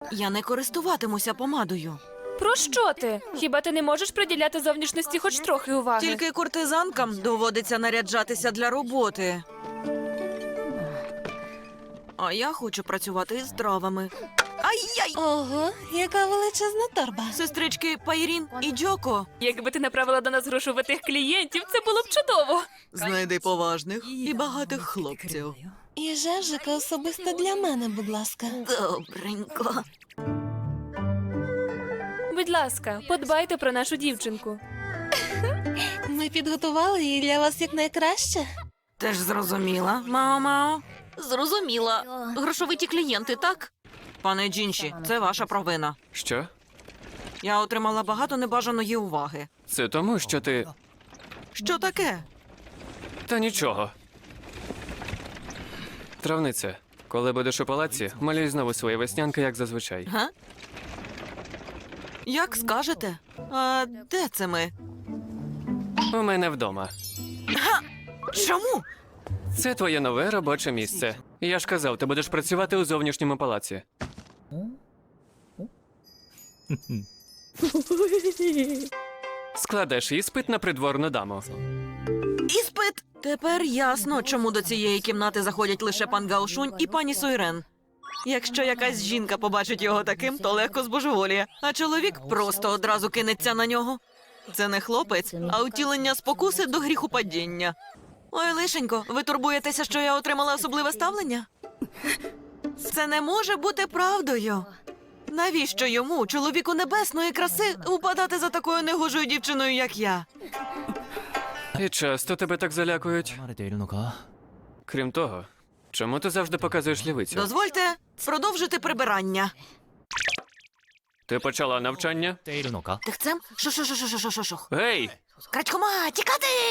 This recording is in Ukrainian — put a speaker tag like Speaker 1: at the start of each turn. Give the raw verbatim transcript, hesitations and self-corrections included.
Speaker 1: Я не користуватимуся помадою.
Speaker 2: Про що ти? Хіба ти не можеш приділяти зовнішності хоч трохи уваги?
Speaker 1: Тільки куртизанкам доводиться наряджатися для роботи. А я хочу працювати із травами. Ай-яй!
Speaker 3: Ого, яка величезна торба.
Speaker 1: Сестрички Пайрін і Джоко.
Speaker 2: Якби ти направила до нас грошовитих клієнтів, це було б чудово.
Speaker 1: Знайди поважних і багатих хлопців.
Speaker 3: І жевжика особисто для мене, будь ласка.
Speaker 1: Добренько.
Speaker 2: Будь ласка, подбайте про нашу дівчинку.
Speaker 3: Ми підготували її для вас якнайкраще.
Speaker 1: Ти ж зрозуміла, Мао-Мао? Зрозуміла. Грошовиті клієнти, так? Пане Джінші, це ваша провина.
Speaker 4: Що?
Speaker 1: Я отримала багато небажаної уваги.
Speaker 4: Це тому, що ти.
Speaker 1: Що таке?
Speaker 4: Та нічого. Травниця, коли будеш у палаці, малюй знову свої веснянки, як зазвичай.
Speaker 1: Га? Як скажете? А де це ми?
Speaker 4: У мене вдома.
Speaker 1: Чому?
Speaker 4: Це твоє нове робоче місце. Я ж казав, ти будеш працювати у зовнішньому палаці. Складеш іспит на придворну даму.
Speaker 1: Іспит! Тепер ясно, чому до цієї кімнати заходять лише пан Гаошунь і пані Сойрен. Якщо якась жінка побачить його таким, то легко збожеволіє, а чоловік просто одразу кинеться на нього. Це не хлопець, а утілення спокуси до гріхопадіння. Ой, лишенько, ви турбуєтеся, що я отримала особливе ставлення? Це не може бути правдою. Навіщо йому, чоловіку небесної краси, упадати за такою негожою дівчиною, як я?
Speaker 4: І часто тебе так залякують.
Speaker 5: 慣れているのか
Speaker 4: Крім того, чому ти завжди показуєш лівицю?
Speaker 1: Дозвольте продовжити прибирання.
Speaker 4: Ти почала навчання?
Speaker 5: ているのか
Speaker 1: Тихцем? Шо-шо-шо-шо-шо-шо-шо.
Speaker 4: Гей!
Speaker 1: Крадькома, тікати!